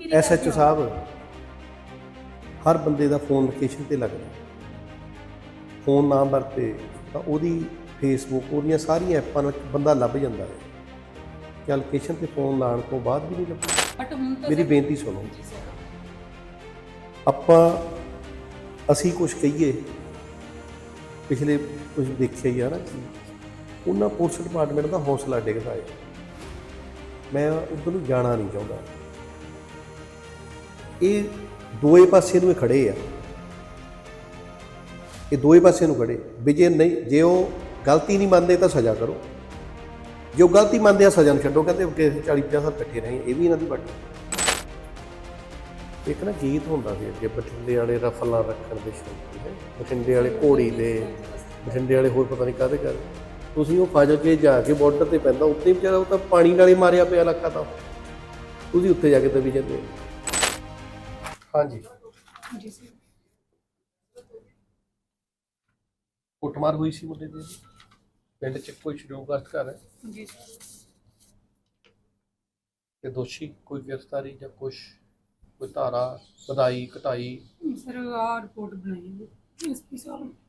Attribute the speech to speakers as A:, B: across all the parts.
A: SHO ਸਾਹਿਬ ਹਰ ਬੰਦੇ ਦਾ phone location ਤੇ ਲੱਗਦਾ, ਫੋਨ ਨਾ ਵਰਤੇ ਤਾਂ ਉਹਦੀ ਫੇਸਬੁੱਕ ਉਹਦੀਆਂ ਸਾਰੀਆਂ ਐਪਾਂ ਨਾਲ ਬੰਦਾ ਲੱਭ ਜਾਂਦਾ ਹੈ। ਕਿ ਲੋਕੇਸ਼ਨ ਤੇ ਫੋਨ ਲਾਉਣ ਤੋਂ ਬਾਅਦ ਵੀ ਨਹੀਂ ਲੱਭਦਾ। ਮੇਰੀ ਬੇਨਤੀ ਸੁਣੋ, ਅਸੀਂ ਕੁਝ ਕਹੀਏ, ਪਿਛਲੇ ਕੁਝ ਦੇਖਿਆ ਹੀ ਆ ਨਾ ਕਿ ਉਹਨਾਂ ਪੁਲਿਸ ਡਿਪਾਰਟਮੈਂਟ ਦਾ ਹੌਸਲਾ ਡਿੱਗਦਾ ਹੈ। ਮੈਂ ਉੱਧਰ ਨੂੰ ਜਾਣਾ ਨਹੀਂ ਚਾਹੁੰਦਾ। ਇਹ ਦੋਏ ਪਾਸੇ ਨੂੰ ਖੜੇ ਆ, ਇਹ ਦੋਏ ਪਾਸੇ ਨੂੰ ਖੜੇ ਵੀ ਜੇ ਉਹ ਗਲਤੀ ਨਹੀਂ ਮੰਨਦੇ ਤਾਂ ਸਜ਼ਾ ਕਰੋ, ਜੇ ਉਹ ਗਲਤੀ ਮੰਨਦੇ ਆ ਸਜ਼ਾ ਨੂੰ ਛੱਡੋ। ਕਹਿੰਦੇ ਕਿ 40-50 ਸਾਲ ਇਕੱਠੇ ਰਹੇ, ਇਹ ਵੀ ਇਹਨਾਂ ਦੀ ਵੱਡੀ। ਇੱਕ ਨਾ ਗੀਤ ਹੁੰਦਾ ਸੀ ਅੱਗੇ, ਬਠਿੰਡੇ ਵਾਲੇ ਰਫਲਾਂ ਰੱਖਣ ਦੇ ਸ਼ੌਂਕੀ ਹੈ, ਬਠਿੰਡੇ ਵਾਲੇ ਘੋੜੀ ਦੇ, ਬਠਿੰਡੇ ਵਾਲੇ ਹੋਰ ਪਤਾ ਨਹੀਂ ਕਾਹਦੇ ਕਰ। ਤੁਸੀਂ ਉਹ ਫਾਜ਼ਲ ਕੇ ਜਾ ਕੇ ਬਾਰਡਰ 'ਤੇ ਪੈਂਦਾ, ਉੱਤੇ ਵਿਚਾਰਾ ਉਹ ਤਾਂ ਪਾਣੀ ਨਾਲ ਹੀ ਮਾਰਿਆ ਪਿਆ ਇਲਾਕਾ, ਤਾਂ ਤੁਸੀਂ ਉੱਤੇ ਜਾ ਕੇ ਦਬੀ ਜਾਂਦੇ ਹੋ। ਹਾਂਜੀ
B: ਜੀ ਸਰ।
A: ਕੁੱਟਮਾਰ ਹੋਈ ਸੀ ਮੁੰਡੇ ਦੀ ਪਿੰਡ 'ਚ, ਕੋਈ ਸ਼ਡਿਊਲਗ੍ਰਸਤ ਘਰ ਹੈ
B: ਜੀ
A: ਤੇ ਦੋਸ਼ੀ ਕੋਈ ਗ੍ਰਿਫਤਾਰੀ ਜਾਂ ਕੁਛ, ਕੋਈ ਧਾਰਾ ਵਧਾਈ ਘਟਾਈ?
B: ਸਰ ਆ ਰਿਪੋਰਟ ਬਣਾਈ ਹੈ ਐਸਪੀ ਸਾਹਿਬ ਨੇ।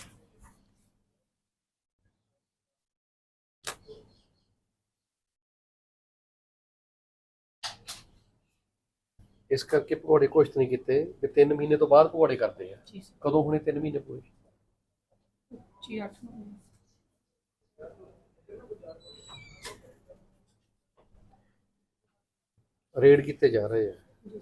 A: ਇਸ ਕਰਕੇ ਭਗੌੜੇ ਘੋਸ਼ਿਤ ਨਹੀਂ ਕੀਤੇ ਵੀ 3 ਮਹੀਨੇ ਤੋਂ ਬਾਅਦ ਭਗੌੜੇ ਕਰਦੇ ਆ। ਕਦੋਂ ਹੁਣੇ 3 ਮਹੀਨੇ ਪੂਰੇ?
B: ਜੀ 8 ਨੂੰ
A: ਰੇਡ ਕੀਤੇ ਜਾ ਰਹੇ ਆ।
B: ਜੀ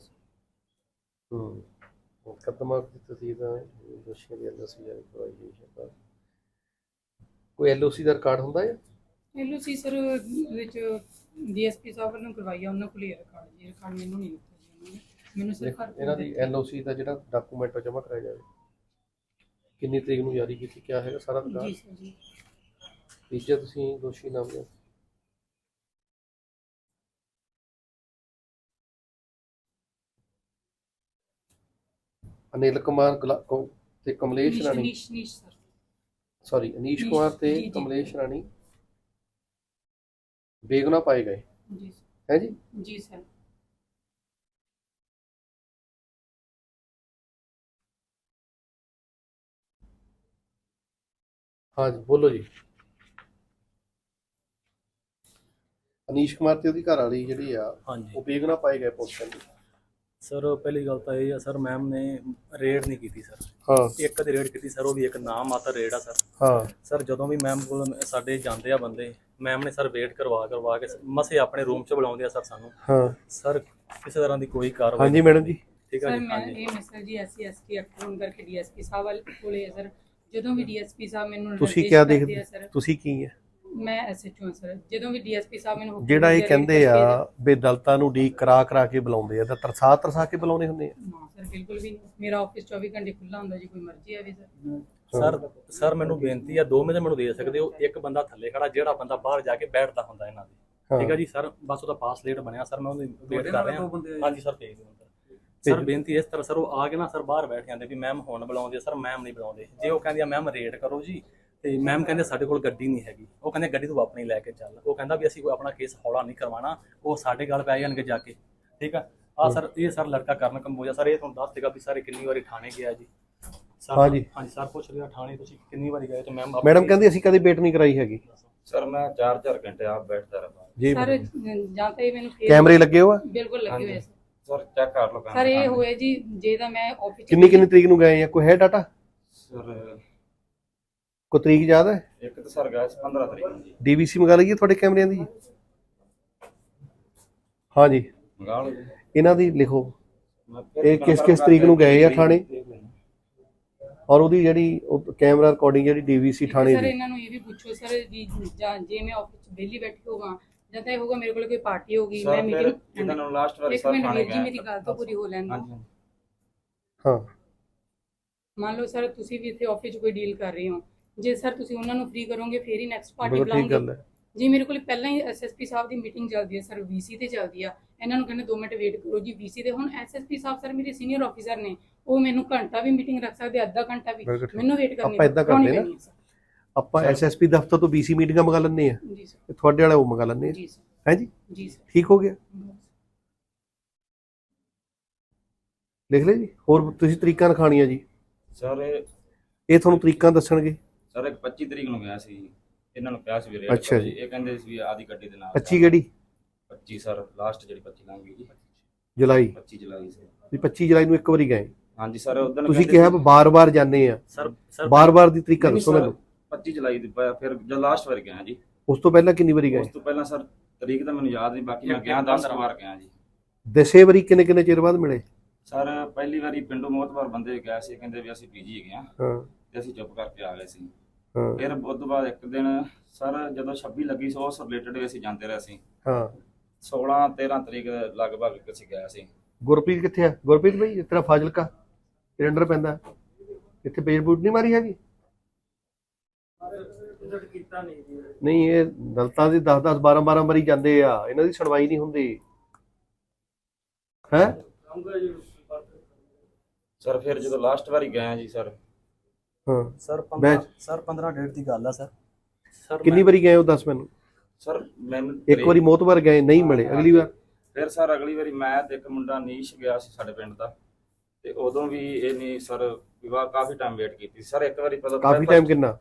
A: ਮੁਕੱਦਮਾ ਦੀ ਤਸਦੀਕ ਦੋਸ਼ੀਆਂ ਦੀ LOC ਜਾਰੀ ਕਰਵਾਈ ਗਈ ਹੈ। ਕੋਈ LOC ਦਾ ਰਿਕਾਰਡ ਹੁੰਦਾ ਹੈ?
B: LOC ਸਰ ਵਿੱਚ DSP ਸਾਹਿਬ ਨੂੰ ਕਰਵਾਈ ਆ, ਉਹਨਾਂ ਕੋਲ ਹੀ ਰਿਕਾਰਡ ਜੀ। ਰਿਕਾਰਡ ਮੈਨੂੰ ਨਹੀਂ ਦਿੱਤਾ ਜੀ ਉਹਨਾਂ ਨੇ, ਮੈਨੂੰ ਸਿਰਫ
A: ਇਹਨਾਂ ਦੀ LOC ਦਾ ਜਿਹੜਾ ਡਾਕੂਮੈਂਟ ਜਮ੍ਹਾਂ ਕਰਾਇਆ ਜਾਵੇ। ਕਿੰਨੀ ਤਰੀਕ ਨੂੰ ਜਾਰੀ ਕੀਤੀ, ਕਿਆ ਹੈਗਾ ਸਾਰਾ ਰਿਕਾਰਡ?
B: ਜੀ ਸਰ ਜੀ।
A: ਤੀਜਾ ਤੁਸੀਂ ਦੋਸ਼ੀ ਨਾਮ ਲਿਆ ਅਨਿਲ ਕੁਮਾਰ ਤੇ ਕਮਲੇਸ਼ ਰਾਣੀ,
B: ਨੀਸ਼ ਸਰ,
A: ਸੌਰੀ ਅਨੀਸ਼ ਕੁਮਾਰ ਤੇ ਕਮਲੇਸ਼ ਰਾਣੀ ਬੇਗੁਨਾਹ ਪਾਏ ਗਏ
B: ਜੀ
A: ਹੈ ਜੀ?
B: ਜੀ ਸਰ।
A: ਹਾਂਜੀ ਬੋਲੋ ਜੀ। ਅਨੀਸ਼ ਕੁਮਾਰ ਤੇ ਉਹਦੀ ਘਰ ਵਾਲੀ ਜਿਹੜੀ ਆ, ਉਹ ਬੇਗੁਨਾਹ ਪਾਏ ਗਏ ਪੁਲਿਸ ਕਹਿੰਦੀ।
C: ਸਰ ਪਹਿਲੀ ਗੱਲ ਤਾਂ ਇਹ ਆ ਸਰ, ਮੈਮ ਨੇ ਰੇਡ ਨਹੀਂ ਕੀਤੀ ਸਰ।
A: ਹਾਂ,
C: ਇੱਕ ਦੀ ਰੇਡ ਕੀਤੀ ਸਰ, ਉਹ ਵੀ ਇੱਕ ਨਾਮ ਮਾਤਰ ਰੇਡ ਆ ਸਰ।
A: ਹਾਂ
C: ਸਰ ਜਦੋਂ ਵੀ ਮੈਮ ਕੋਲ ਸਾਡੇ ਜਾਂਦੇ ਆ ਬੰਦੇ, ਮੈਮ ਨੇ ਸਰ ਵੇਟ ਕਰਵਾ ਕੇ ਮਸੇ ਆਪਣੇ ਰੂਮ 'ਚ ਬੁਲਾਉਂਦੇ ਆ ਸਰ ਸਾਨੂੰ।
A: ਹਾਂ
C: ਸਰ ਕਿਸੇ ਤਰ੍ਹਾਂ ਦੀ ਕੋਈ ਕਾਰਵਾਈ।
A: ਹਾਂਜੀ ਮੈਡਮ ਜੀ।
C: ਠੀਕ ਹੈ
B: ਸਰ
C: ਜੀ।
B: ਮੈਂ ਇਹ ਮੈਸੇਜ ਜੀ SC ST ਐਕਟ ਹੋਣ ਕਰਕੇ DSP ਸਾਹਿਬ ਵਾਲੇ ਕੋਲੇ ਹੈ ਸਰ। ਜਦੋਂ ਵੀ DSP ਸਾਹਿਬ ਮੈਨੂੰ
A: ਤੁਸੀਂ ਕਿਆ ਦੇਖਦੇ, ਤੁਸੀਂ ਕੀ ਹੈ?
B: ਮੈਂ SHO ਹਾਂ ਸਰ। ਜਦੋਂ ਵੀ DSP ਸਾਹਿਬ ਮੈਨੂੰ
A: ਜਿਹੜਾ ਇਹ ਕਹਿੰਦੇ ਆ ਵੀ ਦਲਤਾਂ ਨੂੰ ਡੀਕ ਕਰਾ ਕੇ ਬੁਲਾਉਂਦੇ ਆ, ਤਾਂ ਤਰਸਾ ਕੇ ਬੁਲਾਉਂਦੇ ਹੁੰਦੇ ਆ?
B: ਨਾ ਸਰ ਬਿਲਕੁਲ ਵੀ ਨਹੀਂ। ਮੇਰਾ ਆਫਿਸ 24 ਘੰਟੇ ਖੁੱਲਾ ਹੁੰਦਾ ਜੀ, ਕੋਈ ਮਰਜ਼ੀ ਆਵੇ ਸਰ।
C: ਸਰ ਮੈਨੂੰ ਬੇਨਤੀ ਆ, 2 ਮਿੰਟ ਮੈਨੂੰ ਦੇ ਸਕਦੇ ਹੋ? ਇੱਕ ਬੰਦਾ ਥੱਲੇ ਖੜਾ, ਜਿਹੜਾ ਬੰਦਾ ਬਾਹਰ ਜਾ ਕੇ ਬੈਠਦਾ ਹੁੰਦਾ ਇਹਨਾਂ ਦੇ। ਠੀਕ ਹੈ ਜੀ ਸਰ, ਬਸ ਉਹਦਾ ਪਾਸ ਲੇਟ ਬਣਿਆ ਸਰ, ਮੈਂ ਉਹਦੀ ਵੇਟ ਕਰ ਰਿਹਾ। ਹਾਂਜੀ ਸਰ ਭੇਜ ਦਿਓ ਸਰ। ਬੇਨਤੀ ਇਸ ਤਰ੍ਹਾਂ ਸਰ, ਉਹ ਆ ਕੇ ਨਾ ਸਰ ਬਾਹਰ ਬੈਠ ਜਾਂਦੇ ਵੀ ਮੈਮ ਹੁਣ ਬੁਲਾਉਂਦੇ ਸਰ, ਮੈਮ ਨਹੀਂ ਬੁਲਾਉਂਦੇ। ਜੇ ਉਹ ਕਹਿੰਦੀ ਆ ਮੈਮ ਰੇਡ ਕਰੋ ਜੀ, ਤੇ ਮੈਮ ਕਹਿੰਦੇ ਸਾਡੇ ਕੋਲ ਗੱਡੀ ਨਹੀਂ ਹੈਗੀ। ਉਹ ਕਹਿੰਦੇ ਗੱਡੀ ਤੂੰ ਆਪਣੀ ਲੈ ਕੇ ਚੱਲ। ਉਹ ਕਹਿੰਦਾ ਵੀ ਅਸੀਂ ਕੋਈ ਆਪਣਾ ਕੇਸ ਹੌਲਾ ਨਹੀਂ ਕਰਵਾਉਣਾ, ਉਹ ਸਾਡੇ ਗੱਲ ਪੈ ਜਾਣਗੇ ਜਾ ਕੇ। ਠੀਕ ਆ ਸਰ, ਇਹ ਸਰ ਲੜਕਾ ਕਰਨ ਕੰਬੋਜਾ ਸਰ, ਇਹ ਤੁਹਾਨੂੰ ਦੱਸ ਦੇਗਾ ਵੀ ਸਾਰੇ ਕਿੰਨੀ ਵਾਰੀ ਥਾਣੇ ਗਿਆ ਜੀ ਸਰ। ਹਾਂਜੀ ਸਰ ਪੁੱਛ ਰਿਹਾ ਥਾਣੇ ਤੁਸੀਂ ਕਿੰਨੀ ਵਾਰੀ ਗਏ? ਤੇ ਮੈਡਮ
A: ਕਹਿੰਦੀ ਅਸੀਂ ਕਦੇ ਵੇਟ ਨਹੀਂ ਕਰਾਈ ਹੈਗੀ
D: ਸਰ। ਮੈਂ 4-4 ਘੰਟੇ ਆਪ ਬੈਠਦਾ ਰਹਾ
A: ਜੀ
B: ਸਰ। ਜਾਂ ਤਾਂ ਇਹ ਮੈਨੂੰ
A: ਕੈਮਰੇ ਲੱਗੇ ਹੋ?
B: ਬਿਲਕੁਲ ਲੱਗੇ ਹੋਏ
D: ਸਰ, ਚੈੱਕ ਕਰ ਲਓ
B: ਸਰ। ਇਹ ਹੋਏ ਜੀ ਜੇ ਤਾਂ ਮੈਂ ਆਫਿਸ
A: ਕਿੰਨੀ ਤਰੀਕ ਨੂੰ ਗਏ ਆ, ਕੋਈ ਹੈ ਡਾਟਾ?
D: ਸਰ
A: ਕੋਈ ਤਰੀਕ ਯਾਦ ਹੈ?
D: ਇੱਕ ਤਾਂ ਸਰ ਗਿਆ 15 ਤਰੀਕ ਨੂੰ ਜੀ।
A: DVC ਮੰਗਾ ਲਈਏ ਤੁਹਾਡੇ ਕੈਮਰਿਆਂ ਦੀ? ਹਾਂਜੀ
D: ਮੰਗਾ ਲਓ ਜੀ।
A: ਇਹਨਾਂ ਦੀ ਲਿਖੋ, ਇਹ ਕਿਸ ਤਰੀਕ ਨੂੰ ਗਏ ਆ ਥਾਣੇ, ਔਰ ਉਹਦੀ ਜਿਹੜੀ ਕੈਮਰਾ ਰਿਕਾਰਡਿੰਗ ਜਿਹੜੀ DVC ਥਾਣੇ
B: ਸਰ
A: ਦੀ।
B: ਇਹਨਾਂ ਨੂੰ ਇਹ ਵੀ ਪੁੱਛੋ ਸਰ ਜੀ, ਜੇ ਮੈਂ ਆਫਿਸ 'ਚ ਵਿਹਲੀ ਬੈਠੀ ਹੋਵਾਂ ਜਾਂ ਤਾਂ ਇਹ ਹੋਗਾ ਮੇਰੇ ਕੋਲ ਕੋਈ ਪਾਰਟੀ ਹੋਗੀ, ਮੈਂ ਮੀਟਿੰਗ
D: ਇਹਨਾਂ ਨੂੰ ਲਾਸਟ ਵਾਰ
B: ਇੱਕ
D: ਸਰ
B: ਮਿੰਟ
D: ਥਾਣੇ
B: ਵੀਰ ਜੀ, ਮੇਰੀ ਗੱਲ ਤਾਂ ਪੂਰੀ ਹੋ ਲੈਣ ਦਿਓ।
D: ਹਾਂਜੀ
A: ਹਾਂ
B: ਮੰਨ ਲਓ ਸਰ ਤੁਸੀਂ ਵੀ ਇੱਥੇ ਆਫਿਸ 'ਚ ਕੋਈ ਡੀਲ ਕਰ ਰਹੇ ਹੋ, ਜੇ ਸਰ ਤੁਸੀਂ ਉਹਨਾਂ ਨੂੰ ਫ੍ਰੀ ਕਰੋਗੇ ਫੇਰ ਹੀ ਨੈਕਸਟ ਪਾਰਟੀ
A: ਬਿਲਕੁਲ ਠੀਕ ਗੱਲ
B: ਬੁਲਾਉਂਗੇ
A: ਹੈ।
B: ਜੀ। ਮੇਰੇ ਕੋਲ ਪਹਿਲਾਂ ਹੀ SSP ਸਾਹਿਬ ਦੀ ਮੀਟਿੰਗ ਚੱਲਦੀ ਹੈ ਸਰ, VC ਤੇ ਚੱਲਦੀ ਆ। ਇਹਨਾਂ ਨੂੰ ਕਹਿੰਦੇ 2 ਮਿੰਟ ਵੇਟ ਕਰੋ ਜੀ VC ਤੇ। ਹੁਣ SSP ਸਾਹਿਬ ਸਰ ਮੇਰੇ ਸੀਨੀਅਰ ਆਫੀਸਰ ਨੇ, ਉਹ ਮੈਨੂੰ ਘੰਟਾ ਵੀ ਮੀਟਿੰਗ ਰੱਖ ਸਕਦੇ, ਅੱਧਾ ਘੰਟਾ ਵੀ। ਮੈਨੂੰ ਵੇਟ ਕਰਨੀ
A: ਆਪਾਂ ਏਦਾਂ ਕਰਦੇ ਨਾ, ਆਪਾਂ SSP ਦਫ਼ਤਰ ਤੋਂ BC ਮੀਟਿੰਗਾਂ ਮੰਗਾ ਲੈਂਦੇ ਆ
B: ਜੀ ਸਰ।
A: ਤੇ ਤੁਹਾਡੇ ਵਾਲਾ ਉਹ ਮੰਗਾ ਲੈਂਦੇ ਆ।
B: ਜੀ ਸਰ।
A: ਹੈ ਜੀ?
B: ਜੀ ਸਰ।
A: ਠੀਕ ਹੋ ਗਿਆ। ਲਿਖ ਲਿਆ ਜੀ। ਹੋਰ ਤੁਸੀਂ ਤਰੀਕਾਂ ਲਿਖਾਣੀਆਂ ਜੀ,
D: ਸਰ
A: ਇਹ ਤੁਹਾਨੂੰ ਤਰੀਕਾਂ ਦੱਸਣਗੇ।
D: ਸਰ ਇੱਕ 25 ਤਰੀਕ ਨੂੰ ਗਿਆ ਸੀ, ਇਹਨਾਂ ਨੂੰ ਕਿਹਾ ਸੀ ਵੀ ਰੇਟ
A: ਅੱਛਾ
D: ਕਰੋ
A: ਜੀ।
D: ਜੀ। ਇਹ ਕਹਿੰਦੇ ਸੀ ਵੀ ਆਦੀ ਗੱਡੀ ਦੇ ਨਾਲ
A: 25 ਕਿਹੜੀ
D: 25 ਸਰ ਲਾਸਟ ਜਿਹੜੀ 25 ਲੰਘ ਗਈ ਜੀ,
A: ਜੁਲਾਈ?
D: 25 ਜੁਲਾਈ ਸੀ।
A: ਤੁਸੀਂ 25 ਜੁਲਾਈ ਨੂੰ ਇੱਕ ਵਾਰੀ ਗਏ,
D: ਹਾਂਜੀ ਸਰ ਉਦੋਂ
A: ਤੁਸੀਂ ਕਿਹਾ ਬਾਰ-ਬਾਰ ਜਾਂਦੇ ਆ,
C: ਸਰ
A: ਬਾਰ-ਬਾਰ ਦੀ ਤਰੀਕਾ ਦੱਸੋ ਮੈਨੂੰ।
D: 25 ਜੁਲਾਈ ਦੀ ਫਿਰ ਜਦ ਲਾਸਟ ਵਾਰ ਗਿਆ ਜੀ।
A: ਉਸ ਤੋਂ ਪਹਿਲਾਂ ਕਿੰਨੀ ਵਾਰੀ ਗਏ?
D: ਉਸ ਤੋਂ ਪਹਿਲਾਂ ਸਰ ਤਰੀਕ ਤਾਂ ਮੈਨੂੰ ਯਾਦ ਨਹੀਂ, ਬਾਕੀ ਮੈਂ ਗਿਆ 10 ਵਾਰ ਗਿਆ ਜੀ।
A: ਦਸੇ ਵਾਰੀ ਕਿੰਨੇ ਚਿਰ ਬਾਅਦ ਮਿਲੇ?
D: ਸਰ ਪਹਿਲੀ ਵਾਰੀ ਪਿੰਡੋਂ ਮੋਤਬਾਰ ਬੰਦੇ ਗਏ ਸੀ, ਕਹਿੰਦੇ ਵੀ ਅਸੀਂ ਪੀਜੀ ਹੈਗੇ ਆ,
A: ਹਾਂ
D: ਤੇ ਅਸੀਂ ਚੁੱਪ ਕਰਕੇ ਆ ਗਏ ਸੀ।
A: ਹਾਂ
D: ਫਿਰ ਉਸ ਤੋਂ ਬਾਅਦ ਇੱਕ ਦਿਨ ਸਰ ਜਦੋਂ 26 ਲੱਗੀ ਸੀ ਉਸ ਰਿਲੇਟਡ ਵੀ ਅਸੀਂ ਜਾਂਦੇ ਰਹੇ ਸੀ।
A: ਹਾਂ
D: 16 13 ਤਰੀਕ ਲਗਭਗ ਅਸੀਂ ਗਏ ਸੀ।
A: ਗੁਰਪ੍ਰੀਤ ਕਿੱਥੇ ਆ? ਗੁਰਪ੍ਰੀਤ ਭਾਈ ਤੇਰਾ ਫਾਜ਼ਿਲਕਾ ਤੇਰੇ ਅੰਡਰ ਪੈਂਦਾ, ਇੱਥੇ ਪੇਜ ਬੂਟ ਨਹੀਂ ਮਾਰੀ ਹੈਗੀ? ਨਹੀਂ, ਇਹ ਦਲਤਾਂ ਦੀ 10-10 12-12 ਵਾਰੀ ਜਾਂਦੇ ਆ, ਇਹਨਾਂ ਦੀ ਸੁਣਵਾਈ ਨਹੀਂ ਹੁੰਦੀ ਹੈ।
D: ਸਰ ਫਿਰ ਜਦੋਂ ਲਾਸਟ ਵਾਰੀ ਗਏ ਜੀ ਸਰ,
A: ਹਾਂ
C: ਸਰ
A: ਬੈਚ
C: 15 ਡੇਟ ਦੀ ਗੱਲ ਆ ਸਰ।
A: ਕਿੰਨੀ ਵਾਰੀ ਗਏ ਉਹ ਦੱਸ ਮੈਨੂੰ।
D: ਸਰ ਮੈਨੂੰ
A: ਇੱਕ ਵਾਰੀ ਮੋਤਬਰ ਗਏ ਨਹੀਂ ਮਿਲੇ, ਅਗਲੀ ਵਾਰ?
D: ਫਿਰ ਸਰ ਅਗਲੀ ਵਾਰੀ ਮੈਂ ਤੇ ਇੱਕ ਮੁੰਡਾ ਨੀਸ਼ ਗਿਆ ਸੀ ਸਾਡੇ ਪਿੰਡ ਦਾ, ਤੇ ਉਦੋਂ ਵੀ ਇਹ ਨਹੀਂ ਸਰ ਵਿਵਾਹ ਕਾਫੀ ਟਾਈਮ ਵੇਟ ਕੀਤੀ ਸਰ। ਇੱਕ ਵਾਰੀ ਪਤਾ
A: ਕਾਫੀ ਟਾਈਮ ਕਿੰਨਾ?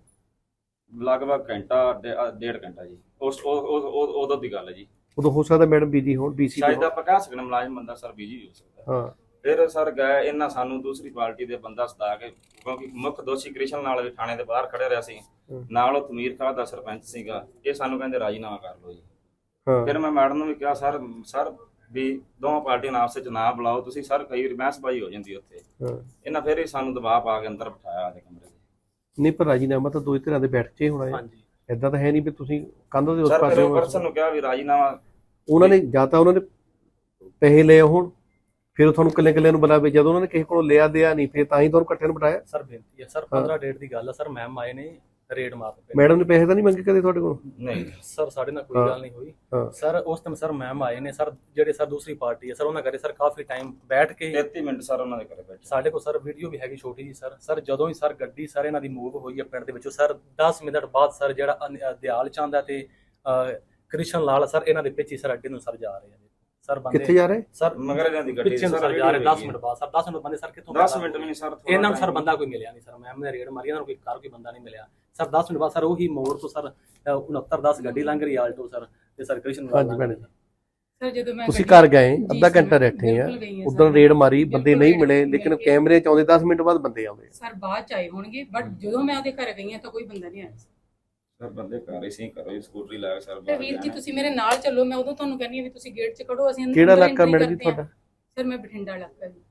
D: ਲਗਭਗ ਘੰਟਾ ਡੇਢ ਘੰਟਾ ਜੀ। ਉਦੋਂ ਦੀ ਗੱਲ ਹੈ ਜੀ।
A: ਉਦੋਂ ਹੋ ਸਕਦਾ ਮੈਡਮ ਬੀਜੀ ਹੋਣ, ਬੀਸੀ
D: ਸ਼ਾਇਦ ਆਪਾਂ ਕਹਿ ਸਕਦੇ ਮੁਲਾਜ਼ਮ ਬੰਦਾ ਸਰ ਬੀਜੀ ਵੀ ਹੋ ਸਕਦਾ।
A: ਹਾਂ
D: ਫਿਰ ਸਰ ਗਏ ਇਹਨਾਂ ਸਾਨੂੰ ਦੂਸਰੀ ਪਾਰਟੀ ਦੇ ਬੰਦਾ ਸਦਾ ਕੇ, ਕਿਉਂਕਿ ਮੁੱਖ ਦੋਸ਼ੀ ਕ੍ਰਿਸ਼ਨ ਨਾਲ ਵੀ ਥਾਣੇ ਦੇ ਬਾਹਰ ਖੜੇ ਰਿਹਾ ਸੀ, ਨਾਲ ਉਹ ਤਮੀਰ ਖਾਨ ਦਾ ਸਰਪੰਚ ਸੀਗਾ। ਇਹ ਸਾਨੂੰ ਕਹਿੰਦੇ ਰਾਜੀਨਾਮਾ ਕਰ ਲਓ ਜੀ।
A: ਹਾਂ
D: ਫਿਰ ਮੈਂ ਮੈਡਮ ਨੂੰ ਵੀ ਕਿਹਾ ਸਰ ਵੀ ਦੋਵਾਂ ਪਾਰਟੀਆਂ ਨਾਲ ਆਪਸ ਵਿੱਚ ਨਾ ਬੁਲਾਓ ਤੁਸੀਂ ਸਰ, ਕਈ ਵਾਰ ਬਹਿਸਬਾਜ਼ੀ ਹੋ ਜਾਂਦੀ ਉੱਥੇ।
A: ਹਾਂ
D: ਇਹਨਾਂ ਫਿਰ ਹੀ ਸਾਨੂੰ ਦਬਾਅ ਪਾ ਕੇ ਅੰਦਰ ਬਿਠਾਇਆ ਆਦੇ ਕਮਰੇ ਦੇ।
A: ਨਹੀਂ, ਪਰ ਰਾਜੀਨਾਮਾ ਤਾਂ ਦੋ ਧਿਰਾਂ ਦੇ ਬੈਠ ਕੇ ਹੋਣਾ ਹੈ।
C: ਹਾਂਜੀ
A: ਏਦਾਂ ਤਾਂ ਹੈ ਨਹੀਂ ਵੀ ਤੁਸੀਂ ਕੰਧ ਦੇ ਉਸ
D: ਸਰ ਫਿਰ
A: ਪਾਸੇ
D: ਉਹ ਪਰਸਨ ਨੂੰ ਕਿਹਾ ਵੀ ਰਾਜੀਨਾਮਾ
A: ਉਹਨਾਂ ਨੇ ਜਾਂ ਤਾਂ ਉਹਨਾਂ ਨੇ ਪੈਸੇ ਲਏ ਹੋਣ, ਫਿਰ ਉਹ ਤੁਹਾਨੂੰ ਇਕੱਲੇ ਨੂੰ ਬੁਲਾਵੇ। ਜਦੋਂ ਉਹਨਾਂ ਨੇ ਕਿਸੇ ਕੋਲੋਂ ਲਿਆ ਦਿਆ ਨਹੀਂ, ਫਿਰ ਤਾਂ ਹੀ ਤੁਹਾਨੂੰ ਇਕੱਠੇ ਨੂੰ ਬਿਠਾਇਆ।
C: ਸਰ ਬੇਨਤੀ ਹੈ ਸਰ, 15 ਡੇਟ ਦੀ ਗੱਲ ਆ ਸਰ। ਮੈਮ ਆਏ ਨੇ ਰੇਡ ਮਾਰਨ ਤੇ।
A: ਮੈਡਮ ਨੇ ਪੈਸੇ ਤਾਂ ਨਹੀਂ ਮੰਗੇ ਕਦੇ ਤੁਹਾਡੇ ਕੋਲ?
D: ਨਹੀਂ
C: ਸਰ ਸਾਡੇ ਨਾਲ ਕੋਈ ਗੱਲ ਨਹੀਂ ਹੋਈ
A: ਹਾਂ
C: ਸਰ। ਉਸ ਟਾਈਮ ਸਰ ਮੈਮ ਆਏ ਨੇ ਸਰ, ਜਿਹੜੇ ਸਰ ਦੂਸਰੀ ਪਾਰਟੀ ਹੈ ਸਰ, ਉਹਨਾਂ ਕਰੇ ਸਰ ਕਾਫੀ ਟਾਈਮ ਬੈਠ ਕੇ
D: 33 ਮਿੰਟ ਸਰ ਉਹਨਾਂ ਦੇ ਘਰੇ ਬੈਠੇ।
C: ਸਾਡੇ ਕੋਲ ਸਰ ਵੀਡੀਓ ਵੀ ਹੈਗੀ ਛੋਟੀ ਜੀ ਸਰ। ਸਰ ਜਦੋਂ ਹੀ ਸਰ ਗੱਡੀ ਸਰ ਇਹਨਾਂ ਦੀ ਮੂਵ ਹੋਈ ਹੈ ਪਿੰਡ ਦੇ ਵਿੱਚੋਂ ਸਰ, 10 ਮਿੰਟ ਬਾਅਦ ਸਰ ਜਿਹੜਾ ਦਿਆਲ ਚੰਦ ਹੈ ਤੇ ਕ੍ਰਿਸ਼ਨ ਲਾਲ ਸਰ ਇਹਨਾਂ ਦੇ ਪਿੱਛੇ ਸਰ ਅੱਡੇ ਨੂੰ ਸਰ ਜਾ ਰਹੇ ਆ ਸਰ ਬੰਦੇ।
A: ਕਿੱਥੇ ਜਾ ਰਹੇ?
C: ਸਰ
D: ਮਗਰ ਇਹਨਾਂ ਦੀ ਗੱਡੀ
C: ਪਿੱਛੇ ਨੂੰ ਸਰ ਜਾ ਰਹੇ 10 ਮਿੰਟ ਬਾਅਦ ਸਰ। 10 ਮਿੰਟ ਬੰਦੇ ਸਰ ਕਿੱਥੋਂ?
D: 10 ਮਿੰਟ ਵੀ ਨਹੀਂ ਸਰ।
C: ਇਹਨਾਂ ਨੂੰ ਸਰ ਬੰਦਾ ਕੋਈ ਮਿਲਿਆ ਨਹੀਂ ਸਰ। ਮੈਮ ਨੇ ਰੇਡ ਮਾਰੀ, ਇਹਨਾਂ ਨੂੰ ਕੋਈ ਬੰਦਾ ਨਹੀਂ ਮਿਲਿਆ ਸਰ। 10 ਮਿੰਟ ਬਾਅਦ ਸਰ ਉਹੀ ਮੋੜ ਤੋਂ ਸਰ 6910 ਗੱਡੀ ਲੰਘ ਰਹੀ ਆਲਟੋ ਸਰ, ਤੇ ਸਰ ਕ੍ਰਿਸ਼ਨ ਲਾਲ
A: ਹਾਂਜੀ ਭੈਣੇ,
B: ਸਰ ਜਦੋਂ ਮੈਂ
A: ਤੁਸੀਂ ਘਰ ਗਏ, ਅੱਧਾ ਘੰਟਾ ਬੈਠੇ ਆ, ਉਦੋਂ ਰੇਡ ਮਾਰੀ, ਬੰਦੇ ਨਹੀਂ ਮਿਲੇ, ਲੇਕਿਨ ਕੈਮਰੇ ਚ ਆਉਂਦੇ 10 ਮਿੰਟ ਬਾਅਦ ਬੰਦੇ ਆਉਂਦੇ
B: ਸਰ ਬਾਅਦ ਚ ਆਏ ਹੋਣਗੇ, ਬਟ ਜਦੋਂ ਮੈਂ ਉਹਦੇ ਘਰ ਗਈ ਹਾਂ ਤਾਂ ਕੋਈ ਬੰਦਾ ਨਹੀਂ ਆਇਆ
D: ਸਰ। ਬੰਦੇ ਘਰ ਹੀ ਸੀ, ਘਰੋਂ ਹੀ ਸਕੂਟਰੀ ਲਾ ਕੇ ਸਰ
B: ਤੇ ਵੀਰ ਜੀ ਤੁਸੀਂ ਮੇਰੇ ਨਾਲ ਚੱਲੋ, ਮੈਂ ਉਦੋਂ ਤੁਹਾਨੂੰ ਕਹਿੰਦੀ ਆ ਵੀ ਤੁਸੀਂ ਗੇਟ 'ਚ ਖੜੋ, ਅਸੀਂ
A: ਕਿਹੜਾ ਇਲਾਕਾ ਮੈਡਮ ਜੀ ਤੁਹਾਡਾ?
B: ਸਰ ਮੈਂ ਬਠਿੰਡਾ ਇਲਾਕਾ ਜੀ।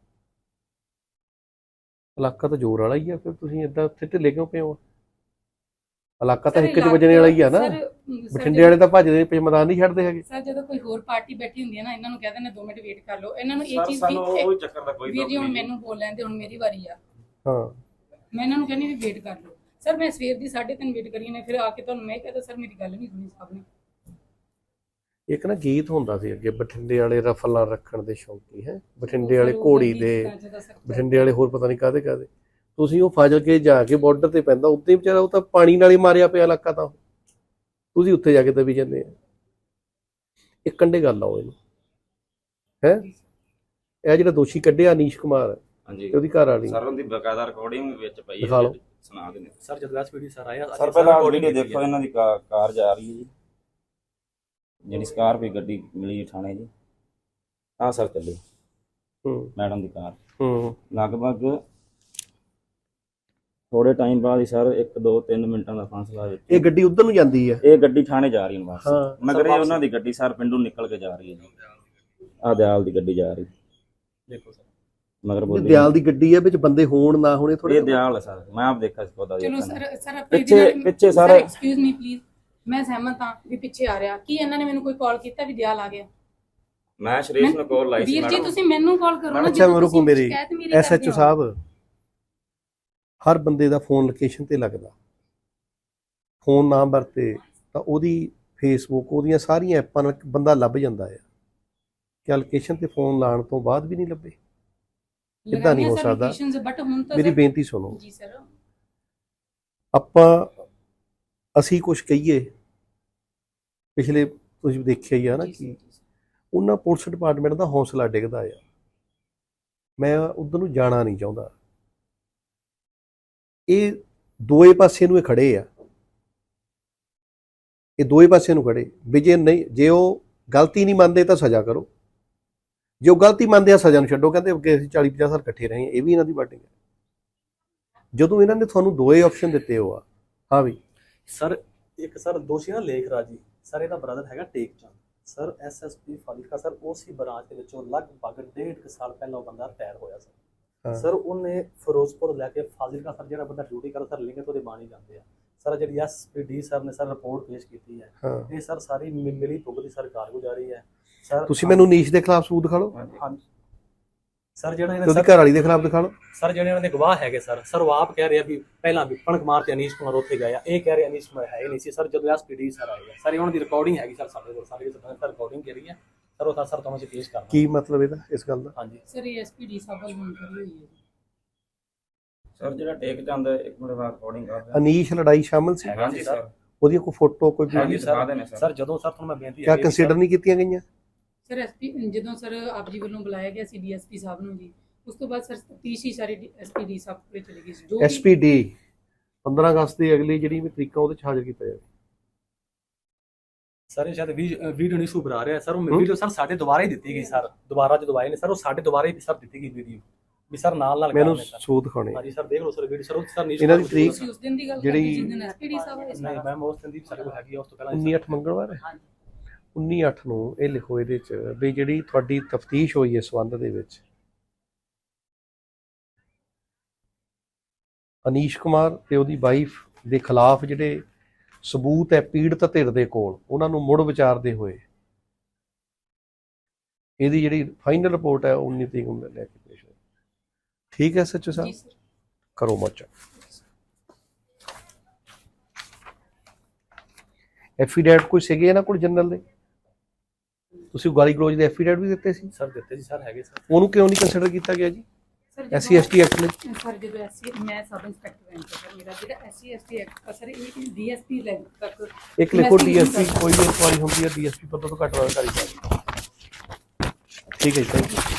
A: ਇਲਾਕਾ ਤਾਂ ਜ਼ੋਰ ਵਾਲਾ ਹੀ ਆ, ਫਿਰ ਤੁਸੀਂ ਏਦਾਂ ਉੱਥੇ ਢਿੱਲੇ ਕਿਉਂ ਪਏ ਹੋ? ਇਲਾਕਾ ਤਾਂ 1 ਵਜਣੇ ਵਾਲਾ ਹੀ ਆ ਨਾ। ਬਠਿੰਡੇ ਵਾਲੇ ਤਾਂ ਭੱਜਦੇ ਪਏ, ਮੈਦਾਨ ਨਹੀਂ ਛੱਡਦੇ ਹੈਗੇ।
B: ਸਰ ਜਦੋਂ ਕੋਈ ਹੋਰ ਪਾਰਟੀ ਬੈਠੀ ਹੁੰਦੀ ਹੈ ਨਾ, ਇਹਨਾਂ ਨੂੰ ਕਹਿ ਦਿੰਦੇ 2 ਮਿੰਟ ਵੇਟ ਕਰ ਲਓ। ਇਹਨਾਂ ਨੂੰ ਇਹ ਚੀਜ਼
D: ਸਾਨੂੰ ਉਹ ਚੱਕਰ ਦਾ ਕੋਈ
B: ਵੀਰ ਜੀ ਹੁਣ ਮੈਨੂੰ ਬੋਲ ਲੈਂਦੇ, ਹੁਣ ਮੇਰੀ ਵਾਰੀ ਆ।
A: ਹਾਂ
B: ਮੈਂ ਇਹਨਾਂ ਨੂੰ ਕਹਿੰਦੀ ਵੀ ਵੇਟ ਕਰ ਲਓ ਸਰ। ਮੈਂ ਸਵੇਰ ਦੀ 3:30 ਵੇਟ ਕਰੀ ਨੇ, ਫਿਰ ਆ ਕੇ ਤੁਹਾਨੂੰ ਮੈਂ ਕਹਿੰਦਾ ਸਰ ਮੇਰੀ ਗੱਲ ਨਹੀਂ ਸੁਣੀ ਸਾਹਿਬ ਨੇ।
A: ਇੱਕ ਨਾ ਗੀਤ ਹੁੰਦਾ ਸੀ ਅੱਗੇ, ਬਠਿੰਡੇ ਵਾਲੇ ਰਫਲਾਂ ਰੱਖਣ ਦੇ ਸ਼ੌਂਕੀ ਹੈ, ਬਠਿੰਡੇ ਵਾਲੇ ਘੋੜੀ ਦੇ, ਬਠਿੰਡੇ ਵਾਲੇ ਹੋਰ ਪਤਾ ਨਹੀਂ ਕਾਹਦੇ। ਤੁਸੀਂ ਉਹ ਫਾਜ਼ਿਲਕੇ ਜਾ ਕੇ ਬਾਰਡਰ ਤੇ ਪੈਂਦਾ, ਉੱਤੇ ਵਿਚਾਰਾ ਉਹ ਤਾਂ ਪਾਣੀ ਨਾਲ ਹੀ ਮਾਰਿਆ ਪਿਆ ਇਲਾਕਾ, ਤਾਂ ਤੁਸੀਂ ਉੱਥੇ ਜਾ ਕੇ ਦਬੀ ਜਾਂਦੇ ਆ। ਇੱਕ ਕੰਢੇ ਗੱਲ ਆਓ ਇਹਨੂੰ ਹੈ। ਇਹ ਜਿਹੜਾ ਦੋਸ਼ੀ ਕੱਢਿਆ ਅਨੀਸ਼ ਕੁਮਾਰ,
D: ਹਾਂਜੀ
A: ਉਹਦੀ ਘਰ ਵਾਲੀ,
D: ਸਰ ਉਹਦੀ ਬਕਾਇਦਾ ਰਿਕਾਰਡਿੰਗ ਵਿੱਚ ਪਈ
A: ਦਿਖਾ ਲਓ।
D: ਸੁਣਾ ਦਿੰਦੇ
C: ਸਰ ਜਦੋਂ ਐਸ ਵੀਡੀਓ ਸਰ ਆਇਆ
D: ਸਰ। ਪਹਿਲਾਂ ਵੀਡੀਓ ਦੇਖੋ, ਇਹਨਾਂ ਦੀ ਕਾਰ ਜਾ ਰਹੀ ਹੈ ਜੀ, ਜਿਹੜੀ ਸਕਾਰਪੀਓ ਗੱਡੀ ਮਿਲੀ ਥਾਣੇ ਜੀ। ਆਹ ਸਰ ਚੱਲੇ ਮੈਡਮ ਦੀ ਕਾਰ, ਲਗਭਗ ਥੋੜੇ ਟਾਈਮ ਬਾਅਦ ਹੀ ਸਰ 1 2 3 ਮਿੰਟਾਂ ਦਾ ਫਾਸਲਾ ਵਿੱਚ
A: ਇਹ ਗੱਡੀ ਉਧਰ ਨੂੰ ਜਾਂਦੀ ਹੈ।
D: ਇਹ ਗੱਡੀ ਥਾਣੇ ਜਾ ਰਹੀ ਹੈ ਵਾਪਸ,
A: ਹਾਂ
D: ਮਗਰ ਇਹ ਉਹਨਾਂ ਦੀ ਗੱਡੀ ਸਰ ਪਿੰਡੋਂ ਨਿਕਲ ਕੇ ਜਾ ਰਹੀ ਹੈ ਜੀ। ਆਹ ਦਿਆਲ ਦੀ ਗੱਡੀ ਜਾ ਰਹੀ
C: ਦੇਖੋ ਸਰ,
D: ਮਗਰ
A: ਇਹ
D: ਬੋਲੀ
A: ਦਿਆਲ ਦੀ ਗੱਡੀ ਹੈ, ਵਿੱਚ ਬੰਦੇ ਹੋਣ ਨਾ ਹੋਣੇ ਥੋੜੇ।
D: ਇਹ ਦਿਆਲ ਹੈ ਸਰ, ਮੈਂ ਆਪ ਦੇਖਿਆ ਸੀ ਉਹਦਾ।
B: ਚਲੋ ਸਰ
D: ਪਿੱਛੇ ਸਰ
B: ਐਕਸਕਿਊਜ਼ ਮੀ ਪਲੀਜ਼, ਮੈਂ ਸਹਿਮਤ ਹਾਂ ਵੀ ਪਿੱਛੇ ਆ ਰਿਹਾ। ਕੀ ਇਹਨਾਂ ਨੇ ਮੈਨੂੰ ਕੋਈ ਕਾਲ ਕੀਤਾ ਵੀ ਦਿਆਲ ਆ ਗਿਆ?
D: ਮੈਂ ਸ਼ਰੀਸ਼ ਨੂੰ ਕਾਲ ਲਾਈ ਸੀ
B: ਵੀਰ ਜੀ
D: ਮੈਡਮ।
B: ਤੁਸੀਂ ਮੈਨੂੰ ਕਾਲ ਕਰੋ ਨਾ।
A: ਅੱਛਾ ਰੁਕੋ, ਮੇਰੀ ਐਸਐਚਓ ਸਾਹਿਬ, ਹਰ ਬੰਦੇ ਦਾ ਫੋਨ ਲੋਕੇਸ਼ਨ ਤੇ ਲੱਗਦਾ, ਫੋਨ ਨਾ ਵਰਤੇ ਤਾਂ ਉਹਦੀ ਫੇਸਬੁੱਕ, ਉਹਦੀਆਂ ਸਾਰੀਆਂ ਐਪਾਂ ਨਾਲ ਬੰਦਾ ਲੱਭ ਜਾਂਦਾ ਹੈ। ਕਿ ਲੋਕੇਸ਼ਨ ਤੇ ਫੋਨ ਲਾਉਣ ਤੋਂ ਬਾਅਦ ਵੀ ਨਹੀਂ ਲੱਭੇ? ਇੱਦਾਂ ਨਹੀਂ ਹੋ ਸਕਦਾ। ਮੇਰੀ ਬੇਨਤੀ ਸੁਣੋ
B: ਜੀ ਸਰ।
A: ਅਸੀਂ ਕੁਝ ਕਹੀਏ, ਪਿਛਲੇ ਤੁਸੀਂ ਦੇਖਿਆ ਹੀ ਆ ਨਾ ਕਿ ਉਹਨਾਂ ਪੁਲਿਸ ਡਿਪਾਰਟਮੈਂਟ ਦਾ ਹੌਸਲਾ ਡਿੱਗਦਾ ਆ। ਮੈਂ ਉਧਰ ਨੂੰ ਜਾਣਾ ਨਹੀਂ ਚਾਹੁੰਦਾ। ਇਹ ਦੋਏ ਪਾਸੇ ਨੂੰ ਇਹ ਖੜੇ ਆ, ਇਹ ਦੋਏ ਪਾਸੇ ਨੂੰ ਖੜੇ ਵੀ ਜੇ ਉਹ ਗਲਤੀ ਨਹੀਂ ਮੰਨਦੇ ਤਾਂ ਸਜ਼ਾ ਕਰੋ, ਜੇ ਉਹ ਗਲਤੀ ਮੰਨਦੇ ਆ ਸਜ਼ਾ ਨੂੰ ਛੱਡੋ। ਕਹਿੰਦੇ ਅੱਗੇ ਅਸੀਂ 40-50 ਸਾਲ ਇਕੱਠੇ ਰਹੇ, ਇਹ ਵੀ ਇਹਨਾਂ ਦੀ ਬਾਟਿੰਗ ਹੈ। ਜਦੋਂ ਇਹਨਾਂ ਨੇ ਤੁਹਾਨੂੰ ਦੋਏ ਆਪਸ਼ਨ ਦਿੱਤੇ ਹੋ ਆ, ਹਾਂ ਵੀ
C: ਸਰ ਇੱਕ ਸਰ ਦੋਸ਼ੀ ਨਾ ਲੇਖ ਰਾਜੀ ਸਰ, ਇਹਦਾ ਬ੍ਰਦਰ ਹੈਗਾ Tek Chand sir, SSP Fazilka sir, ਉਸੇ ਬ੍ਰਾਂਚ ਦੇ ਵਿੱਚੋਂ ਲਗਭਗ 1.5 ਸਾਲ ਪਹਿਲਾਂ ਉਹ ਬੰਦਾ ਰਿਟਾਇਰ ਹੋਇਆ ਸਰ। ਉਹਨੇ ਫਿਰੋਜ਼ਪੁਰ ਲੈ ਕੇ ਫਾਜ਼ਿਲਕਾ ਸਰ ਜਿਹੜਾ ਬੰਦਾ ਡਿਊਟੀ ਕਰਦਾ ਸਰ, ਲਿੰਗੇ ਤੋਂ ਉਹਦੇ ਬਾਣੀ ਜਾਂਦੇ ਆ ਸਰ। ਜਿਹੜੀ ਐਸਪੀਡੀ ਸਰ ਨੇ ਸਰ ਰਿਪੋਰਟ ਪੇਸ਼ ਕੀਤੀ ਹੈ, ਇਹ ਸਰ ਸਾਰੀ ਮਿਲੀ ਭੁਗਤ ਦੀ ਸਰ ਕਾਰਗੁਜ਼ਾਰੀ ਹੈ ਸਰ।
A: ਤੁਸੀਂ ਮੈਨੂੰ ਨੀਸ਼ ਦੇ ਖਿਲਾਫ ਸਬੂਤ ਦਿਖਾ ਲਓ
C: ਹਾਂਜੀ ਸਰ, ਜਿਹੜਾ ਇਹਨਾਂ
A: ਉਹਦੀ ਘਰ ਵਾਲੀ ਦੇ ਖਿਲਾਫ ਦਿਖਾ ਲਓ
C: ਸਰ। ਜਿਹੜੇ ਇਹਨਾਂ ਦੇ ਗਵਾਹ ਹੈਗੇ ਸਰ ਉਹ ਆਪ ਕਹਿ ਰਹੇ ਆ ਵੀ ਪਹਿਲਾਂ ਵੀ ਪਣਕ ਮਾਰ ਤੇ ਅਨੀਸ਼ ਕੁਮਾਰ ਉੱਥੇ ਗਏ ਆ, ਇਹ ਕਹਿ ਰਹੇ ਅਨੀਸ਼ ਕੁਮਾਰ ਹੈ ਹੀ ਨਹੀਂ ਸੀ ਸਰ ਜਦੋਂ ਐਸਪੀਡੀ ਸਰ ਆਏ ਸਰ। ਉਹਨਾਂ ਦੀ ਰਿਕਾਰਡਿੰਗ ਹੈਗੀ ਸਰ ਸਾਡੇ ਕੋਲ, ਸਾਰੇ ਰਿਕਾਰਡਿੰਗ ਕਰੀ ਹੈ ਸਰ। ਉਹ ਤਾਂ ਸਰ ਤੁਹਾਨੂੰ ਅਸੀਂ ਪੇਸ਼ ਕਰਨਾ।
A: ਕੀ ਮਤਲਬ ਇਹਦਾ ਇਸ ਗੱਲ ਦਾ?
C: ਹਾਂਜੀ
B: ਸਰ ਇਹ ਐਸਪੀਡੀ ਸਾਹਿਬ ਵੱਲ ਹੁਣ ਕਰੀ ਹੋਈ ਹੈ ਜੀ
D: ਸਰ ਜਿਹੜਾ ਟੇਕ ਚੰਦ ਇੱਕ ਮਿੰਟ ਬਾਅਦ ਰਿਕਾਰਡਿੰਗ ਕਰ ਰਿਹਾ
A: ਅਨੀਸ਼ ਲੜਾਈ ਸ਼ਾਮਲ ਸੀ?
D: ਹਾਂਜੀ ਸਰ,
A: ਉਹਦੀ ਕੋਈ ਫੋਟੋ ਕੋਈ
D: ਹਾਂਜੀ ਦਿਖਾ ਦੇਣੇ
C: ਸਰ। ਜਦੋਂ ਸਰ ਤੁਹਾਨੂੰ ਮੈਂ ਬੇਨਤੀ
A: ਕਿਆ ਕੰਸੀਡਰ ਨਹੀਂ ਕੀਤੀਆਂ ਗਈਆਂ?
B: ਸਰ ਐਸਪੀ ਜਦੋਂ ਸਰ ਆਪ ਜੀ ਵੱਲੋਂ ਬੁਲਾਇਆ ਗਿਆ ਸੀ ਡੀਐਸਪੀ ਸਾਹਿਬ ਨੂੰ ਜੀ, ਉਸ ਤੋਂ ਬਾਅਦ ਸਰ ਤਫਤੀਸ਼ ਹੀ ਸਾਰੀ ਐਸਪੀਡੀ ਸਾਹਿਬ ਕੋਲ ਚਲੀ ਗਈ ਸੀ। ਜੋ
A: ਐਸਪੀਡੀ 15 ਅਗਸਤ ਦੀ ਅਗਲੀ ਜਿਹੜੀ ਵੀ ਤਰੀਕਾ ਉਹਦੇ ਚ ਹਾਜ਼ਰ ਕੀਤਾ ਜਾਵੇ
C: ਸਰ। ਇਹ ਸ਼ਾਇਦ ਵੀਡੀਓ ਨਹੀਂ ਸ਼ੂ ਬਣਾ ਰਿਹਾ ਸਰ, ਉਹ ਵੀਡੀਓ ਸਰ ਸਾਡੇ ਦੁਬਾਰਾ ਹੀ ਦਿੱਤੀ ਗਈ ਸਰ। ਦੁਬਾਰਾ ਜਦੋਂ ਆਏ ਨੇ ਸਰ, ਉਹ ਸਾਡੇ ਦੁਬਾਰਾ ਹੀ ਸਰ ਦਿੱਤੀ ਗਈ ਵੀਡੀਓ ਵੀ ਸਰ ਨਾਲ
A: ਮੈਨੂੰ ਸਬੂਤ ਦਿਖਾਉਣੇ।
C: ਹਾਂਜੀ ਸਰ ਦੇਖ ਲਓ ਸਰ ਵੀਡੀਓ ਸਰ। ਉਹ ਸਰ
A: ਇਹਨਾਂ ਦੀ ਤਰੀਕ
B: ਉਸ ਦਿਨ ਦੀ ਗੱਲ
A: ਜਿਹੜੀ
B: ਜਿਸ ਦਿਨ ਐਸਪੀਡੀ ਸਾਹਿਬ ਆਏ ਸੀ।
C: ਨਹੀਂ ਮੈਮ ਉਸ ਦਿਨ ਦੀ ਸਾਡੇ ਕੋਲ ਹੈਗੀ, ਉਸ ਤੋਂ ਪਹਿਲਾਂ
A: 19/8 ਮੰਗਲਵਾਰ ਹੈ। 19/8 ਨੂੰ ਇਹ ਲਿਖੋ ਇਹਦੇ ਚ ਵੀ ਜਿਹੜੀ ਤੁਹਾਡੀ ਤਫਤੀਸ਼ ਹੋਈ ਇਸ ਸੰਬੰਧ ਦੇ ਵਿੱਚ ਅਨੀਸ਼ ਕੁਮਾਰ ਤੇ ਉਹਦੀ ਵਾਈਫ ਦੇ ਖਿਲਾਫ ਜਿਹੜੇ ਸਬੂਤ ਹੈ ਪੀੜਤ ਧਿਰ ਦੇ ਕੋਲ, ਉਹਨਾਂ ਨੂੰ ਮੁੜ ਵਿਚਾਰਦੇ ਹੋਏ ਇਹਦੀ ਜਿਹੜੀ ਫਾਈਨਲ ਰਿਪੋਰਟ ਹੈ 19 ਤਰੀਕ ਨੂੰ ਲੈ ਕੇ ਪੇਸ਼ ਹੋਈ। ਠੀਕ ਹੈ ਸੱਚੋ ਸਾਹਿਬ, ਕਰੋ ਮੋਰਚਾ। ਐਫੀਡੈਵਿਟ ਕੋਈ ਸੀਗੇ ਇਹਨਾਂ ਕੋਲ ਜਨਰਲ ਦੇ? ਤੁਸੀਂ ਗਾਲੀ ਗਲੋਚ ਦੇ ਐਫੀਡੈਵਿਟ ਵੀ ਦਿੱਤੇ ਸੀ
C: ਸਰ? ਦਿੱਤੇ ਜੀ ਸਰ, ਹੈਗੇ ਸਰ।
A: ਉਹਨੂੰ ਕਿਉਂ ਨਹੀਂ ਕੰਸੀਡਰ ਕੀਤਾ ਗਿਆ ਜੀ SC ST ਐਕਟ ਨੇ?
B: ਸਰ ਜਦੋਂ ਐਸਸੀ ਮੈਂ ਸਬ ਇੰਸਪੈਕਟਰ ਹਾਂ ਸਰ, ਮੇਰਾ ਜਿਹੜਾ SC ST ਐਕਟ ਸਰ ਇਹ ਡੀਐਸਪੀ ਲੈਵਲ ਤੱਕ
A: ਇੱਕ ਲਿਖੋ DSP ਕੋਈ ਵੀ ਇਨਕੁਆਰੀ ਹੁੰਦੀ ਹੈ DSP ਪਤਾ ਤੋਂ ਘੱਟ ਵਾਲਾ ਕਰੀ ਜਾਂਦੀ। ਠੀਕ ਹੈ ਜੀ, ਥੈਂਕ ਯੂ।